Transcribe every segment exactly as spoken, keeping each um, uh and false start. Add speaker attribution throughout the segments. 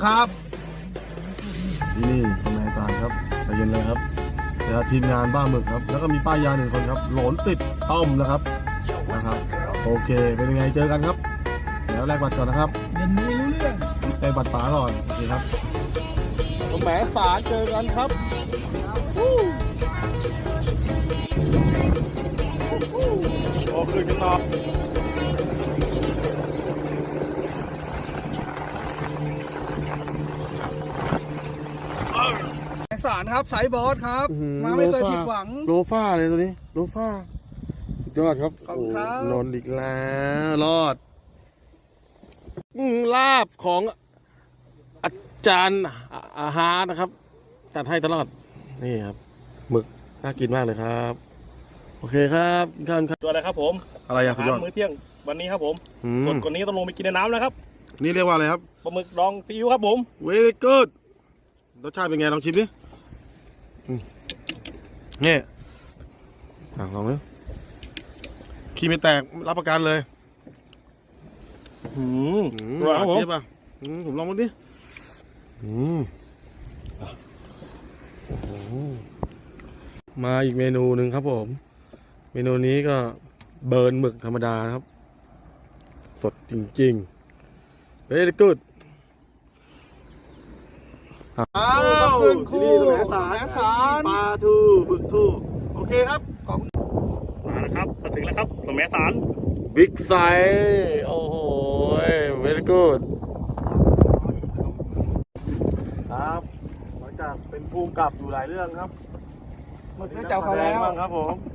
Speaker 1: ครับที่นี่ทำงานการครับใจเย็นเลยครับเดี๋ยวทีมงานบ้าหมึกครับแล้วก็มีป้ายยาหนึ่งคนครับโหลนสิทธิ์ต้อมนะครับนะครับโอเคเป็นยังไงเจอกันครับเดี๋ยวแลกบัตรก่อนนะครับ
Speaker 2: เย็นนี้รู้เรื่อง
Speaker 1: แลกบัตรป๋าก่อนโอเคครับแหมสารเจอกันครับโอ้คือจังหวะ
Speaker 2: สารครับสายบอสครับมาไม่เคยผิดหวัง
Speaker 1: โลฟ้าเลยตัวนี้โลฟ้าสุดยอดครับ
Speaker 2: ขอบคุณครับ
Speaker 1: นนอีกแล้วรอดลาบของอาจารย์อาหารนะครับจัดให้ตลอดนี่ครับหมึกน่ากินมากเลยครับโอเคครับกินข้าวครับ
Speaker 3: ตัวอะไรครับผม
Speaker 1: อะไรอะสุดยอด
Speaker 3: มื้อเที่ยงวันนี้ครับผม
Speaker 1: อืม
Speaker 3: ส่วนกว่านี้ต้องลงไปกินในน้ำแล้วครับ
Speaker 1: นี่เรียกว่าอะไรครับ
Speaker 3: ปลาหมึกดองซีอิ๊วครับผม
Speaker 1: very good รสชาติเป็นไงลองชิมดิอืมนี่อ่ะลองดูขี้ไม่แตกรับประกันเลย
Speaker 3: อืม
Speaker 1: อืม
Speaker 3: อร่อยครับผม
Speaker 1: เทียบอ่ะอืมผมลองดูดิอืมโอ้โหมาอีกเมนูหนึ่งครับผม เมนูนี้ก็เบิร์นหมึกธรรมดานะครับ สดจริงๆ very good อ้าว
Speaker 2: ขึ้นคู่
Speaker 1: ที่นี่แสม
Speaker 2: แหม
Speaker 1: สา
Speaker 2: สาร ร
Speaker 1: ปลาทูบึกทูโอเคครับ
Speaker 3: มาแล้วครับมาถึงแล้วครับสมัยสาร
Speaker 1: บิ๊กไซส์โอ้โห very good ครับหลังจากเป็นภูมิกับอยู่หลายเรื่องครับ
Speaker 2: หมึกน่าจะเขาแล้ว
Speaker 1: บ้างครับผม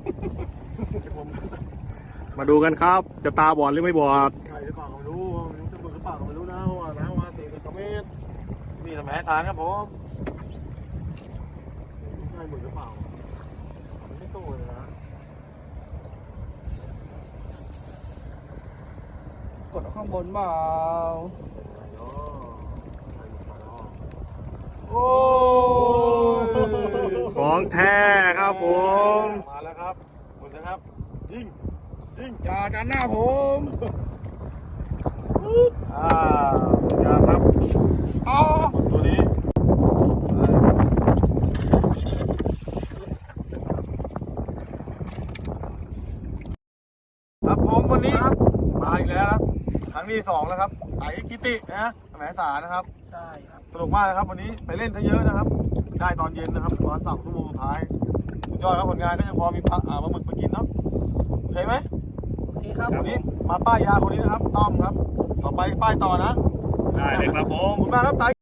Speaker 3: มาดูกันครับ จะตาบอดหรือไม่บอด
Speaker 1: ใครหรือเปล่าก็ไม่รู้ไม่รู้จะมึกหรือเปล่าก็ไม่รู้นะเพราะว่าน้ำมาสี่สิบกว่าเมตรนี่ทำแหสารครับผมไม่ใช่หมึกหรือเปล่ามันไม่โตเลยนะ
Speaker 2: กดข้างบนเปล่า
Speaker 1: โอ้ย
Speaker 3: ของแท้ครับผม
Speaker 1: มาแล้วครับหมดนะครับยิงยิง
Speaker 2: อย่ากันหน้าผม
Speaker 1: อ่าสุดยอดครับ
Speaker 2: อ๋อ
Speaker 1: ตัวนี้ครับผมวันนี้มาอีกแล้วนะครั้งที่สองแล้วครับไต่กิตินะแหมสารนะครับ
Speaker 2: ใช่ครับ
Speaker 1: สนุกมากนะครับวันนี้ไปเล่นซะเยอะนะครับ ได้ตอนเย็นนะครับประมาณสามชั่วโมงสุดท้ายสุดยอดครับผลงานก็ยังพอมีปลาอ่าปลาหมึกไปกินเนาะโอเคไหม
Speaker 2: โอเคครับ
Speaker 1: วันนี้มาป้ายยาคนนี้นะครับต้อมครับ ต่อไปป้ายต่อนะ
Speaker 3: ได้เลยครับผ
Speaker 1: ขอบ
Speaker 3: ม
Speaker 1: คุณมากครับไต่